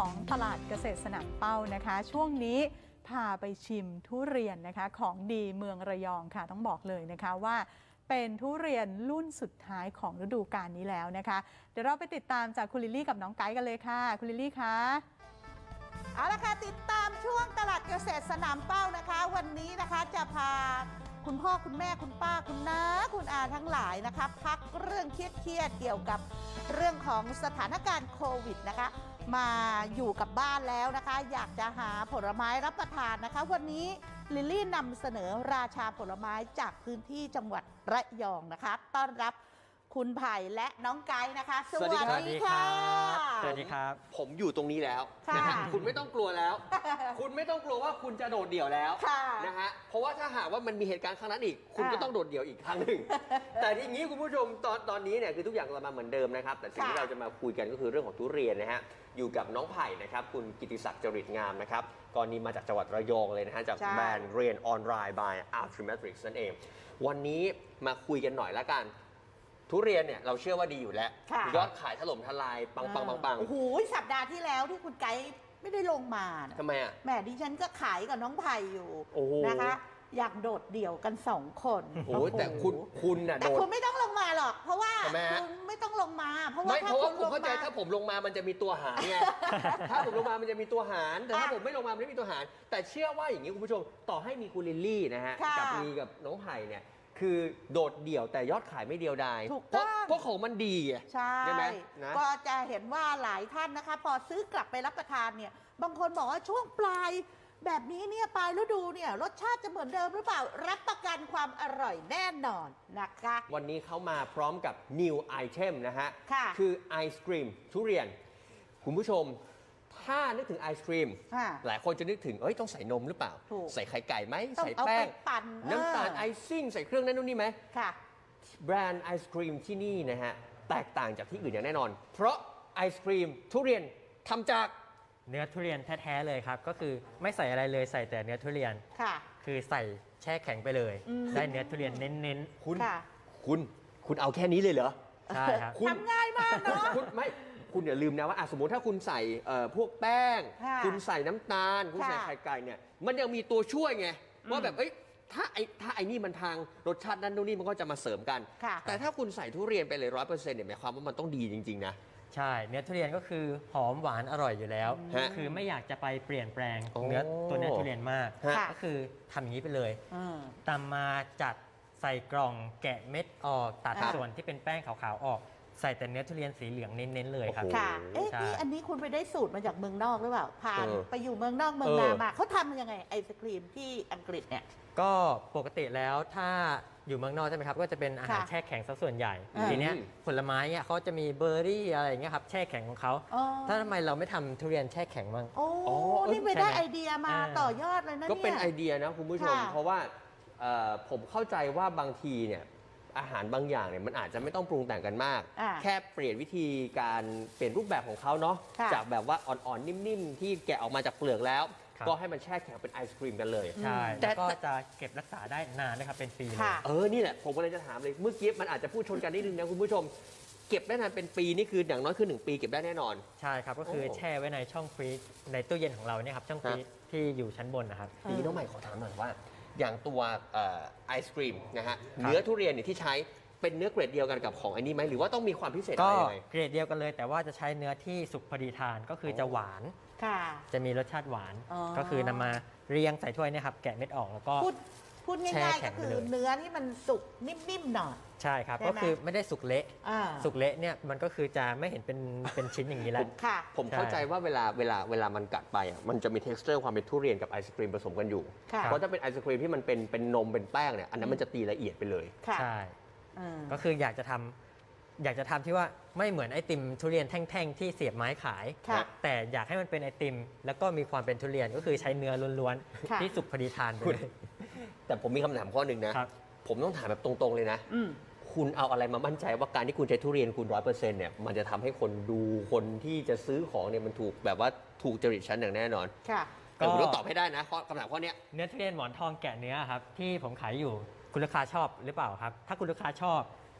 ของตลาดเกษตรสนามเป้านะคะช่วงนี้พาไปชิมทุเรียนนะคะของดีเมืองระยองค่ะต้องบอกเลยนะคะว่าเป็นทุเรียนรุ่นสุดท้ายของฤดูกาลนี้แล้วนะคะเดี๋ยวเราไปติดตามจากคุณลิลลี่กับน้องไกด์กันเลยค่ะคุณลิลลี่คะเอาละค่ะติดตามช่วงตลาดเกษตรสนามเป้านะคะวันนี้นะคะจะพาคุณพ่อคุณแม่คุณป้าคุณน้าคุณอาทั้งหลายนะคะพักเรื่องเครียดเกี่ยวกับเรื่องของสถานการณ์โควิดนะคะมาอยู่กับบ้านแล้วนะคะอยากจะหาผลไม้รับประทานนะคะวันนี้ลิลลี่นำเสนอราชาผลไม้จากพื้นที่จังหวัดระยองนะคะต้อนรับคุณไผ่และน้องไกด์นะคะสวัสดีค่ะสวัสดีครับผมอยู่ตรงนี้แล้วนะฮะคุณไม่ต้องกลัวแล้ว คุณไม่ต้องกลัวว่าคุณจะโดดเดี่ยวแล้วนะฮะเพราะว่าถ้าหากว่ามันมีเหตุการณ์ครั้งนั้นอีกคุณก็ต้องโดดเดี่ยวอีกครั้งหนึ่งแต่ทีนี้คุณผู้ชมตอนนี้เนี่ยคือทุกอย่างเรามาเหมือนเดิมนะครับแต่สิ่งที่เราจะมาคุยกันก็คือเรื่องของทุเรียนนะฮะอยู่กับน้องไผ่นะครับคุณกิติศักดิ์จริตงามนะครับกรณีมาจากจังหวัดระยองเลยนะฮะจากแบรนด์เรียนออนไลน์ by Artrimetrix นั่นเองวันนี้มาคุยกันหน่อยละกันทุเรียนเนี่ยเราเชื่อว่าดีอยู่แล้วยอดขายถล่มทลายปังโอ้โหสัปดาห์ที่แล้วที่คุณไกด์ไม่ได้ลงมาทำไมอ่ะแหมดิฉันก็ขายกับน้องไผ่อยู่นะคะอยากโดดเดี่ยวกัน2 คนโอ้แต่คุณน่ะแต่คุณไม่ต้องลงมาหรอกเพราะว่าคุณไม่ต้องลงมาเพราะว่าผมเข้าใจถ้าผมลงมามันจะมีตัวหารไงถ้าผมลงมามันจะมีตัวหารแต่ถ้าผมไม่ลงมามันไม่มีตัวหารแต่เชื่อว่าอย่างนี้คุณผู้ชมต่อให้มีคุณลิลลี่นะฮะกับน้องไผ่เนี่ยคือโดดเดี่ยวแต่ยอดขายไม่เดียวดายเพราะของมันดีใช่ไหมก็จะเห็นว่าหลายท่านนะคะพอซื้อกลับไปรับประทานเนี่ยบางคนบอกว่าช่วงปลายแบบนี้เนี่ยปลายฤดูเนี่ยรสชาติจะเหมือนเดิมหรือเปล่ารับประกันความอร่อยแน่นอนนะคะวันนี้เขามาพร้อมกับ new item นะฮะคือไอศกรีมทุเรียนคุณผู้ชมถ้านึกถึงไอศครีมหลายคนจะนึกถึงต้องใส่นมหรือเปล่าใส่ไข่ไก่ไหมใส่แป้งน้ำตาลไอซิ่งใส่เครื่องนั้นนู่นนี่ไหมแบรนด์ไอศครีมที่นี่นะฮะแตกต่างจากที่อื่นอย่างแน่นอนเพราะไอศครีมทุเรียนทำจากเนื้อทุเรียนแท้ๆเลยครับก็คือไม่ใส่อะไรเลยใส่แต่เนื้อทุเรียนคือใส่แช่แข็งไปเลยได้เนื้อทุเรียนเน้นๆคุณเอาแค่นี้เลยเหรอใช่ครับทำง่ายมากเนาะคุณอย่าลืมนะว่าสมมติถ้าคุณใส่พวกแป้งคุณใส่น้ำตาลคุณใส่ไข่ไก่เนี่ยมันยังมีตัวช่วยไงว่าแบบถ้าไอ้นี่มันทางรสชาตินั้นนู่นนี่มันก็จะมาเสริมกันแต่ถ้าคุณใส่ทุเรียนไปเลย100%เนี่ยหมายความว่ามันต้องดีจริงๆนะใช่เนื้อทุเรียนก็คือหอมหวานอร่อยอยู่แล้วคือไม่อยากจะไปเปลี่ยนแปลงเนื้อทุเรียนมากก็คือทำอย่างนี้ไปเลยตามมาจัดใส่กล่องแกะเม็ดออกตัดส่วนที่เป็นแป้งขาวๆออกใส่แต่เนื้อทุเรียนสีเหลืองเน้นๆเลยครับค่ะนี่อันนี้คุณไปได้สูตรมาจากเมืองนอกหรือเปล่าผ่านไปอยู่เมืองนอกเมืองนามาเขาทำยังไงไอศครีมที่อังกฤษเนี่ยก็ปกติแล้วถ้าอยู่เมืองนอกใช่ไหมครับก็จะเป็นอาหารแช่แข็งซะส่วนใหญ่ทีนี้ผลไม้เนี่ยเขาจะมีเบอร์รี่อะไรอย่างเงี้ยครับแช่แข็งของเขาถ้าทำไมเราไม่ทำทุเรียนแช่แข็งบ้างนี่ไปได้ไอเดียมาต่อยอดเลยนะก็เป็นไอเดียนะคุณผู้ชมเพราะว่าผมเข้าใจว่าบางทีเนี่ยอาหารบางอย่างเนี่ยมันอาจจะไม่ต้องปรุงแต่งกันมากแค่เปลี่ยนวิธีการเปลี่ยนรูปแบบของเขาเนาะจากแบบว่าอ่อนๆนิ่มๆที่แกะออกมาจากเปลือกแล้วก็ให้มันแช่แข็งเป็นไอศครีมกันเลยใช่แล้วก็จะเก็บรักษาได้นานนะครับเป็นปีเลยนี่แหละผมก็เลยจะถามเลยเมื่อกี้มันอาจจะพูดชนกันนิดนึงนะคุณผู้ชมเก็บได้นานเป็นปีนี่คืออย่างน้อยคือ1 ปีเก็บได้แน่นอนใช่ครับก็คือแช่ไว้ในช่องฟรีซในตู้เย็นของเราเนี่ยครับช่องฟรีซที่อยู่ชั้นบนนะครับทีนี้น้องใหม่ขอถามหน่อยว่าอย่างตัวไอศครีมนะฮะเนื้อทุเรียนเนี่ยที่ใช้เป็นเนื้อเกรดเดียวกันกับของไอ้นี่ไหมหรือว่าต้องมีความพิเศษอะไรยังไงก็เกรดเดียวกันเลยแต่ว่าจะใช้เนื้อที่สุกพอดีทานก็คือจะหวานจะมีรสชาติหวานก็คือนำมาเรียงใส่ถ้วยเนี่ยครับแกะเม็ดออกแล้วก็พูดง่ายๆก็คือเนื้อที่มันสุกนิ่มๆหน่อยใช่ครับก็คือไม่ได้สุกเละสุกเละเนี่ยมันก็คือจะไม่เห็นเป็นชิ้นอย่างนี้แล้วผมเข้าใจว่าเวลามันกัดไปมันจะมี texture ความเป็นทุเรียนกับไอศครีมผสมกันอยู่เพราะถ้าเป็นไอศครีมที่มันเป็นนมเป็นแป้งเนี่ยอันนั้นมันจะตีละเอียดไปเลยใช่ก็คืออยากจะทำที่ว่าไม่เหมือนไอติมทุเรียนแท่งๆที่เสียบไม้ขายแต่อยากให้มันเป็นไอติมแล้วก็มีความเป็นทุเรียนก็คือใช้เนื้อล้วนๆที่สุกพอดีทานไปเลยแต่ผมมีคำถามข้อหนึ่งนะผมต้องถามแบบตรงๆเลยนะคุณเอาอะไรมามั่นใจว่าการที่คุณใช้ทุเรียนคุณ100%เนี่ยมันจะทำให้คนดูคนที่จะซื้อของเนี่ยมันถูกแบบว่าถูกจริตชั้นอย่างแน่นอนก็คุณต้องตอบให้ได้นะคำถามข้อนี้เนื้อทุเรียนหมอนทองแกะเนื้อครับที่ผมขายอยู่คุณลูกค้าชอบหรือเปล่าครับถ้าคุณลูกค้าชอบ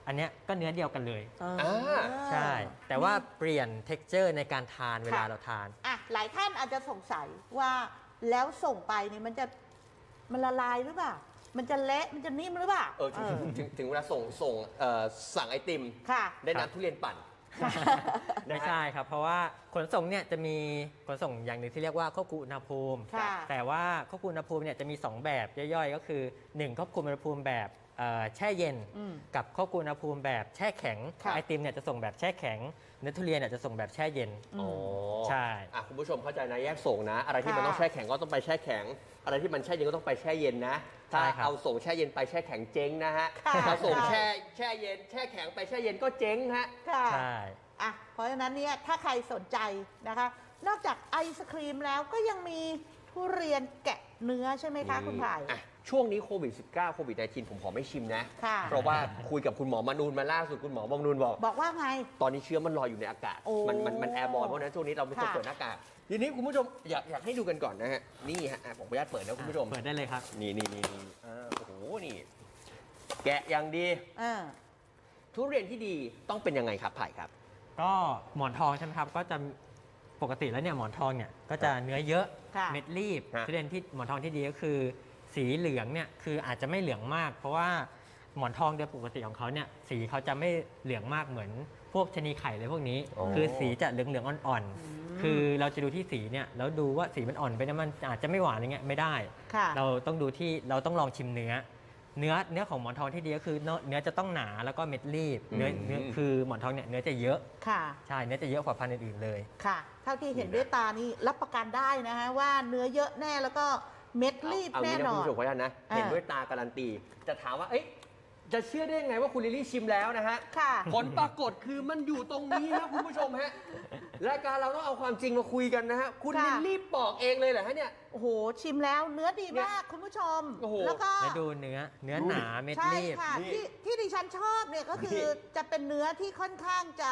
อันเนี้ยก็เนื้อเดียวกันเลย ใช่ แต่ว่าเปลี่ยน texture ในการทานเวลาเราทานอ่ะหลายท่านอาจจะสงสัยว่าแล้วส่งไปเนี่ยมันละลายหรือเปล่า มันจะเละมันจะนิ่มหรือเปล่าถึงเวลาสั่งไอติมค่ะได้น้ำทุเรียนปั่นไม่ใช่ครับ เพราะว่าขนส่งเนี่ยจะมีขนส่งอย่างหนึ่งที่เรียกว่าควบคุมอุณหภูมิค่ะแต่ว่าควบคุมอุณหภูมิเนี่ยจะมี 2 แบบย่อยๆ ก็คือ 1 ควบคุมอุณหภูมิแบบแช่เย็น กับควบคุมอุณหภูมิแบบแช่แข็งค่ะไอติมเนี่ยจะส่งแบบแช่แข็งเนื้อทุเรียนเนี่ยจะส่งแบบแช่เย็นอ๋อใช่คุณผู้ชมเข้าใจนะแยกส่งนะ อะไรที่มันค่ะต้องแช่แข็งก็ต้องไปแช่แข็ง อะไรที่มันแช่เย็นก็ต้องไปแช่เย็นนะ ถ้าใช่ครับเอาส่งแช่เย็นไปแช่แข็งเจ๊งนะฮะค่ะถ้าส่งแช่เย็นแช่แข็งไปแช่เย็นก็เจ๊งฮะค่ะใช่อ่ะเพราะฉะนั้นเนี่ยถ้าใครสนใจนะคะ นอกจากไอศครีมแล้วก็ยังมีทุเรียนแกะเนื้อใช่ไหมคะคุณไผ่อ่ะช่วงนี้โควิด -19 โควิด -19 ผมขอไม่ชิมนะค่ะเพราะว่าคุยกับคุณหมอมนูนมาล่าสุดคุณหมอมนูนบอกบอกว่าไงตอนนี้เชื้อมันลอยอยู่ในอากาศโอ้มันแอร์บอลเพราะฉะนั้นช่วงนี้เราไม่ควรค่ะเปิดหน้ากากทีนี้คุณผู้ชมอยากให้ดูกันก่อนนะฮะ นี่ฮะผมขออนุญาตเปิดนะคุณผู้ชมเปิดได้เลยครับนี่โอ้โห นี่ แกะอย่างดี ทุเรียนที่ดีต้องเป็นยังไงครับไผ่ครับก็หมอนทองใช่ไหมครับ ก็จะปกติแล้วเนี่ยหมอนทองเนี่ยก็จะเนื้อเยอะค่ะเม็ดรีบฮะทุเรียนที่หมอนทองที่ดีก็คือ สีเหลืองเนี่ยคืออาจจะไม่เหลืองมาก เพราะว่าหมอนทองโดยปกติของเขาเนี่ยสีเขาจะไม่เหลืองมากเหมือนพวกชะนีไข่เลยพวกนี้ คือสีจะเหลืองๆอ่อนๆคือเราจะดูที่สีเนี่ยแล้วดูว่าสีมันอ่อนไปนะมันอาจจะไม่หวานอะไรเงี้ยไม่ได้ค่ะเราต้องดูที่เราต้องลองชิมเนื้อของหมอนทองที่ดีก็คือเนื้อจะต้องหนาแล้วก็เม็ดรีบเนื้อคือหมอนทองเนี่ยเนื้อจะเยอะค่ะใช่เนื้อจะเยอะกว่าพันธุ์อื่นๆเลยค่ะ เท่าที่เห็นด้วยตานี่รับประกันได้นะฮะว่าเนื้อเยอะแน่แล้วก็เม็ดรีบเอาแน่งี้นะนอคุณนผู้ชมขออนุญาตนะ เห็นด้วยตาการันตี จะถามว่า เอ๊ะ จะเชื่อได้ยังไงว่าคุณลิลลี่ชิมแล้วนะฮะค่ะผลปรากฏคือมันอยู่ตรงนี้ครับคุณผู้ชมฮะ รายการเราต้องเอาความจริงมาคุยกันนะฮะ คุณค่ะลิลลี่บอกเองเลยเหรอฮะเนี่ยโอ้โห ชิมแล้วเนื้อดีมากคุณผู้ชมโอ้โหแล้วก็แล้วดูเนื้อหนาเม็ดใช่รีบค่ะนี่ที่ดิฉันชอบเนี่ยก็คือจะเป็นเนื้อที่ค่อนข้างจะ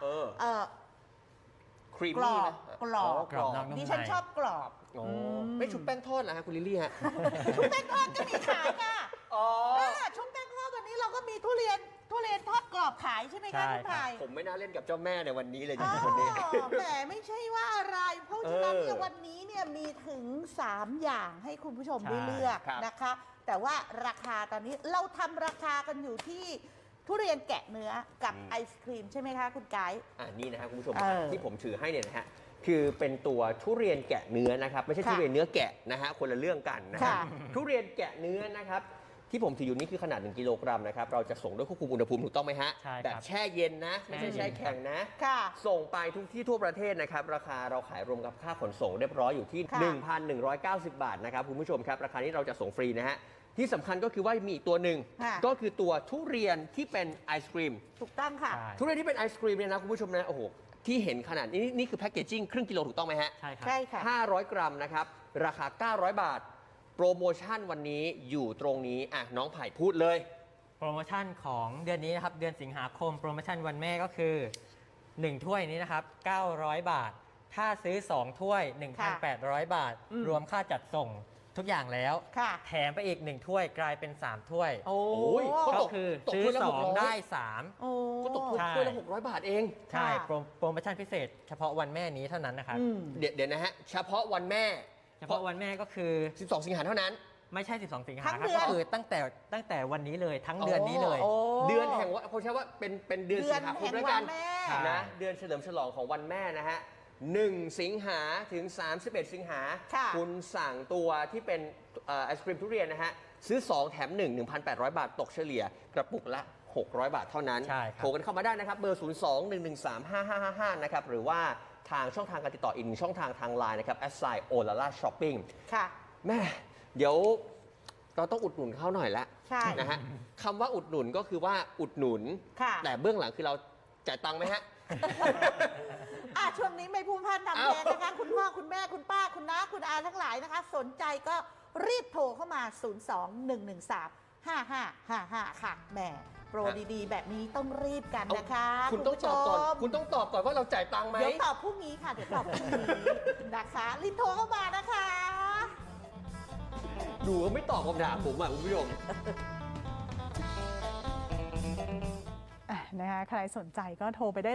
ครีมกรมี่อบนะกรอบกรอบนอกนุ่มดิฉันชอบกรอบโอ้มไม่ชุบแป้งทอดเหรอฮะคุณลิลลี่ฮะชุบแป้งทอดก็มีขายค่ะอ๋อชุบแป้งทอดวันนี้เราก็มีทุเรียนทอดกรอบขายใช่ไหมใช่คะคุณครับไผ่ผมไม่น่าเล่นกับเจ้าแม่ในวันนี้เลยจอ๋ริงๆวันนี้อแต่ไม่ใช่ว่าอะไร เพราะฉะนั้นเนี่ยเออวันนี้เนี่ยมีถึง 3 อย่างให้คุณผู้ชมใช่ได้เลือกครับนะคะ แต่ว่าราคาตอนนี้เราทำราคากันอยู่ที่ทุเรียนแกะเนื้อกับไอศครีมใช่ไหมคะคุณไกด์นี่นะฮะคุณผู้ชมเออที่ผมถือให้เนี่ยนะฮะคือเป็นตัวทุเรียนแกะเนื้อนะครับไม่ใช่ค่ะทุเรียนเนื้อแกะนะฮะคนละเรื่องกันนะฮะค่ะทุเรียนแกะเนื้อนะครับที่ผมถืออยู่นี่คือขนาด 1 กิโลกรัมนะครับเราจะส่งด้วยควบคุมอุณหภูมิถูกต้องไหมฮะใช่ครับแบบแช่เย็นนะไม่ใช่แช่แช่เย็นแข็งนะค่ะส่งไปทุกที่ทั่วประเทศนะครับราคาเราขายรวมกับค่าขนส่งเรียบร้อยอยู่ที่ค่ะ 1,190 บาทนะครับคุณผู้ชมครับราคานี้เราจะส่งฟรีนะฮะที่สำคัญก็คือว่ามีอีกตัวหนึ่งค่ะก็คือตัวทุเรียนที่เป็นไอศครีมถูกต้องค่ะใช่ทุเรียนที่เป็นไอศครีมเนี่ยนะคุณผู้ชมนะโอ้โหที่เห็นขนาดนี้นี่คือแพ็กเกจจิ้งครึ่งกิโลถูกต้องไหมฮะใช่ครับใช่ค่ะ 500 กรัมนะครับ ราคา 900 บาท โปรโมชั่นวันนี้อยู่ตรงนี้น้องไผ่พูดเลยโปรโมชั่นของเดือนนี้นะครับ เดือนสิงหาคม โปรโมชั่นวันแม่ก็คือ 1 ถ้วยนี้นะครับ 900 บาท ถ้าซื้อ 2 ถ้วย 1,800 บาท รวมค่าจัดส่งทุกอย่างแล้วค่ะแถมไปอีก 1 ถ้วยกลายเป็น 3 ถ้วยโอ้โอ้ยก็คือตกซื้อถ้วยละ 2 600 ได้โอ้ก็ตกใช่ถ้วยละ 600 บาทเอง 3 ใช่ค่ะโปรโมชั่นพิเศษ เฉพาะวันแม่นี้เท่านั้นนะครับอืมเดี๋ยวนะฮะ เฉพาะวันแม่เฉพาะวันแม่ก็คือ 12 สิงหาเท่านั้นไม่ใช่ 12 สิงหาทั้งครับเดือนก็คือตั้งแต่วันนี้เลยทั้งเดือนนี้เลยโอ้เดือนแห่งว่าเขาใช้ว่าเป็นเดือนสิงหาคมเดือนแห่งด้วยกันวันแม่นะเดือนเฉลิมฉลองของวันแม่นะฮะ1 สิงหาถึง 31 สิงหาค่ะคุณสั่งตัวที่เป็นไอศครีมทุเรียนนะฮะซื้อ 2 แถม 1 1,800 บาทตกเฉลี่ยกระปุกละ 600 บาทเท่านั้นใช่ครับโทรกันเข้ามาได้นะครับ เบอร์ 02-113-5555 นะครับ หรือว่าทางช่องทางการติดต่ออีกหนึ่งช่องทางทางไลน์นะครับ @olala_shopping ค่ะแม่เดี๋ยวเราต้องอุดหนุนเขาหน่อยละใช่นะฮะคำว่าอุดหนุนก็คือว่าอุดหนุนค่ะแต่เบื้องหลังคือเราจ่ายตังค์ไหมฮะช่วงนี้ไม่พูดพล่านทำเพลงนะคะ คุณพ่อ คุณแม่ คุณป้า คุณน้า คุณอาทั้งหลายนะคะ สนใจก็รีบโทรเข้ามา 02-113-5555 ค่ะแหมโปรดีๆ แบบนี้ต้องรีบกันนะคะคุณต้องตอบก่อนผู้ชมคุณต้องตอบก่อนว่าเราจ่ายตังค์ไหมเดี๋ยวตอบพรุ่งนี้ค่ะ เดี๋ยวตอบพรุ่งนี้นะคะรีบโทรเข้ามานะคะดูว่าไม่ตอบคำถามผมอ่ะคุณผู้ชมนะคะใครสนใจก็โทรไปได้